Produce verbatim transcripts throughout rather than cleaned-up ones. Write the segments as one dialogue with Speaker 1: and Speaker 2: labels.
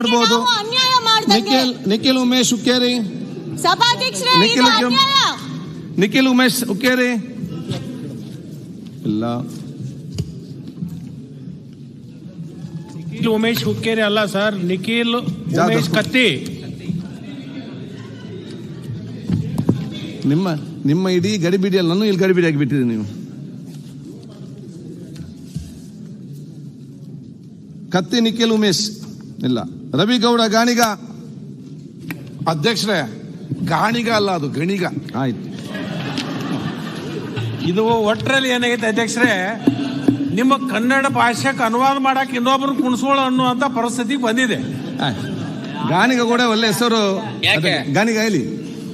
Speaker 1: ಮಾಡಬಹುದು. ನಿಖಿಲ್ ನಿಖಿಲ್ ಉಮೇಶ್ ಹುಕ್ಕೇರಿ
Speaker 2: ಸಭಾಧ್ಯಕ್ಷರೇ,
Speaker 1: ನಿಖಿಲ್ ನಿಖಿಲ್ ಉಮೇಶ್ ಹುಕ್ಕೇರಿ ಇಲ್ಲ.
Speaker 3: ನಿಖಿಲ್ ಉಮೇಶ್ ಹುಕ್ಕೇರಿ ಅಲ್ಲ ಸರ್, ನಿಖಿಲ್ ಉಮೇಶ್ ಕತ್ತಿ.
Speaker 1: ನಿಮ್ಮ ನಿಮ್ಮ ಇಡೀ ಗಡಿಬಿಡಿ ಅಲ್ಲ, ನಾನು ಇಲ್ಲಿ ಗಡಿಬಿಡಿ ಆಗಿಬಿಟ್ಟಿರಿ ನೀವು. ಕತ್ತಿ ನಿಖಿಲ್ ಉಮೇಶ್ ಇಲ್ಲ. ರವಿಗೌಡ ಗಾಣಿಗ.
Speaker 4: ಅಧ್ಯಕ್ಷರೇ, ಗಾಣಿಗ ಅಲ್ಲ, ಅದು ಗಣಿಗ.
Speaker 1: ಆಯ್ತು.
Speaker 3: ಇದು ಒಟ್ಟರಲ್ಲಿ ಏನಾಗೈತೆ ಅಧ್ಯಕ್ಷರೇ, ನಿಮ್ಮ ಕನ್ನಡ ಭಾಷೆಗೆ ಅನುವಾದ ಮಾಡಕ್ಕೆ ಇನ್ನೊಬ್ರು ಕುಣಿಸೋಳು ಅನ್ನುವಂತ ಪರಿಸ್ಥಿತಿಗೆ ಬಂದಿದೆ.
Speaker 1: ಗಾಣಿಗ ಕೂಡ ಒಳ್ಳೆ ಹೆಸರು. ಗಾಣಿಗ ಹೇಳಿ.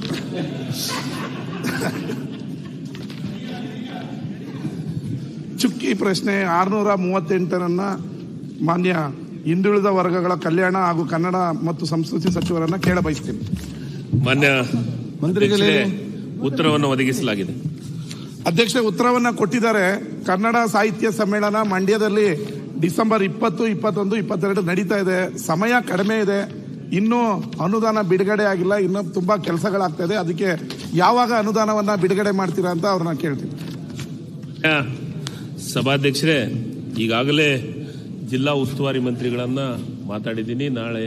Speaker 4: ಚುಕ್ಕಿ ಪ್ರಶ್ನೆ ಆರ್ನೂರ ಮೂವತ್ತೆಂಟರನ್ನ ಮಾನ್ಯ ಹಿಂದುಳಿದ ವರ್ಗಗಳ ಕಲ್ಯಾಣ ಹಾಗೂ ಕನ್ನಡ ಮತ್ತು ಸಂಸ್ಕೃತಿ ಸಚಿವರನ್ನ ಕೇಳ ಬಯಸ್ತೀನಿ.
Speaker 5: ಮಾನ್ಯ
Speaker 1: ಮಂತ್ರಿಗಳೇ,
Speaker 5: ಉತ್ತರವನ್ನು ಒದಗಿಸಲಾಗಿದೆ.
Speaker 4: ಅಧ್ಯಕ್ಷ ಉತ್ತರವನ್ನ ಕೊಟ್ಟಿದ್ದಾರೆ. ಕನ್ನಡ ಸಾಹಿತ್ಯ ಸಮ್ಮೇಳನ ಮಂಡ್ಯದಲ್ಲಿ ಡಿಸೆಂಬರ್ ಇಪ್ಪತ್ತು ಇಪ್ಪತ್ತೊಂದು ಇಪ್ಪತ್ತೆರಡು ನಡೀತಾ ಇದೆ. ಸಮಯ ಕಡಿಮೆ ಇದೆ, ಇನ್ನೂ ಅನುದಾನ ಬಿಡುಗಡೆ ಆಗಿಲ್ಲ, ಇನ್ನೂ ತುಂಬಾ ಕೆಲಸಗಳಾಗ್ತಾ ಇದೆ. ಅದಕ್ಕೆ ಯಾವಾಗ ಅನುದಾನವನ್ನ ಬಿಡುಗಡೆ ಮಾಡ್ತೀರಾ ಅಂತ ಅವ್ರನ್ನ ಕೇಳ್ತೀನಿ.
Speaker 5: ಸಭಾಧ್ಯಕ್ಷರೇ, ಈಗಾಗಲೇ ಜಿಲ್ಲಾ ಉಸ್ತುವಾರಿ ಮಂತ್ರಿಗಳನ್ನ ಮಾತಾಡಿದ್ದೀನಿ. ನಾಳೆ